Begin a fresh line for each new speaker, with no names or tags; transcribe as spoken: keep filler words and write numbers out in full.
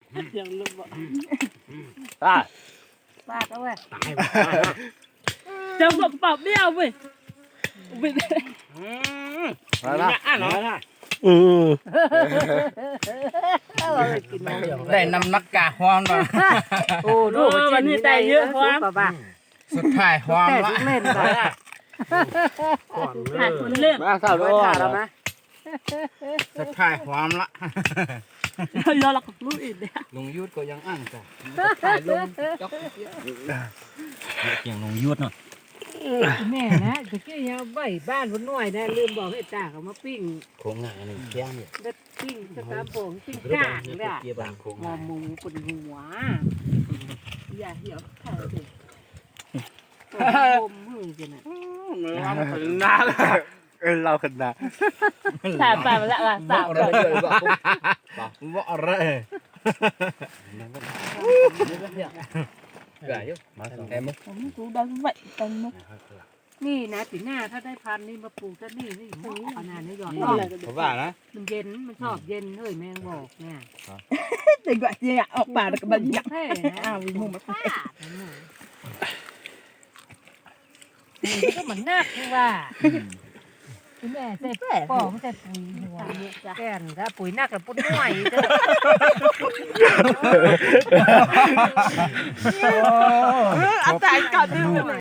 ยังลืมบ่
ตา
ปากเอาไว้
จะบอกเปล่าเบี้ยวเว้ยเป็น
มาละอ่ะเนาะ
อือ
ได้นำนักกาฮอนมา
โอ้ดูวันนี้ได้เยอะพอบ้า
สุดท้ายฮอน
แต่
ละ
เล่นไป
หาคนเล่น
มาสาวโดนแล้วนะ
สุดท้ายฮอนละ
ยอหลักลูกอีกเนี่ย
ลุงยุทธก็ยังอ่างจ้ะถ่ายลงจอกเกี่ยงลุงยุทธเนาะ
แม่นะตะกี้ยังใบบ้านคนน้อยนะลืมบอกให้ตาเขามาปิ้ง
โค้งงานนี่แก้มเนี่ย
แล้วปิ้งสตาร์โป่งปิ้งก้างเลยอะ
เกี่ยบางโค้ง
มอมูปนหัวอย่าเหี่ยวข้าวสิผมมือกันนะ
นาเออเราขนาด
สามสามละละสาม
อะไรเลยบอกบอกอะไรเกลือเยอะมาสองแอม
ผมกูดังvậyดังมุก
นี่นะปีหน้าถ้าได้พันนี่มาปลูกซะนี่นี่ซื้อขนาดนี้หยอด
ผมว่านะ
มันเย็นมันชอบเย็นเฮ้ยแมงบอกเนี่ย
แต่ก็ยังออกปากกับมันยัก
แพ้นะ
อ้าวมุมมา
ป้านี่ก็เหมือนนักที่ว่าแม่ใส่ปอมใส่ปุ๋ยหัวแก่นถ้าปุ๋ยนักแล้วปุ๋ยหน่วยจะ
อาจารย์ก่อนดื้อ